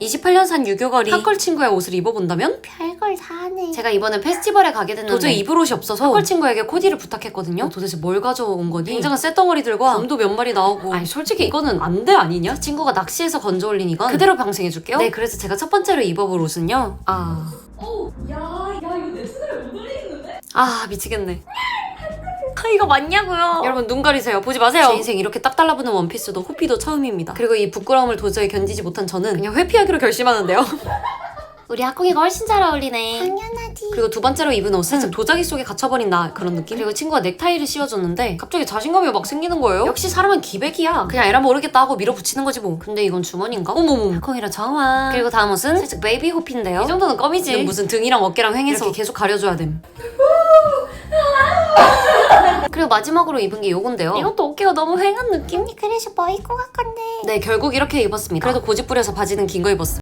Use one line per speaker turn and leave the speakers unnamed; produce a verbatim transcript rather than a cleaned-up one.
이십팔 년 산 유교걸이 핫걸 친구의 옷을 입어본다면?
별걸 다 하네.
제가 이번에 페스티벌에 가게 됐는데 도저히 입을 옷이 없어서 핫걸 친구에게 코디를 부탁했거든요. 도대체 뭘 가져온 거니? 굉장한 쇳덩어리들과 검도 몇 마리 나오고 아니 솔직히 이거는 안 돼 아니냐? 친구가 낚시해서 건져 올린 이건 그대로 방생해줄게요. 네, 그래서 제가 첫 번째로 입어볼 옷은요. 아...
어, 야, 야 이거 내 손에 못 올리겠는데?
아 미치겠네. 아, 이거 맞냐고요? 여러분 눈 가리세요. 보지 마세요. 제 인생 이렇게 딱 달라붙는 원피스도 호피도 처음입니다. 그리고 이 부끄러움을 도저히 견디지 못한 저는 그냥 회피하기로 결심하는데요. 우리 학공이가 훨씬 잘 어울리네.
당연하지.
그리고 두 번째로 입은 옷은 살짝 도자기 속에 갇혀버린 나 그런 느낌? 그리고 친구가 넥타이를 씌워줬는데 갑자기 자신감이 막 생기는 거예요. 역시 사람은 기백이야. 그냥 에라 모르겠다 하고 밀어붙이는 거지 뭐. 근데 이건 주머니인가? 어머머. 학공이라 정아. 그리고 다음 옷은 살짝 베이비 호피인데요. 이 정도는 껌이지. 이건 무슨 등이랑 어깨랑 횡해서 이렇게 계속 가려줘야 됨. 그리고 마지막으로 입은 게 요건데요. 이것도 어깨가 너무 횡한 느낌?
그래서 뭐 입고 갈 건데.
네, 결국 이렇게 입었습니다. 그래도 고집 부려서 바지는 긴 거 입었어요.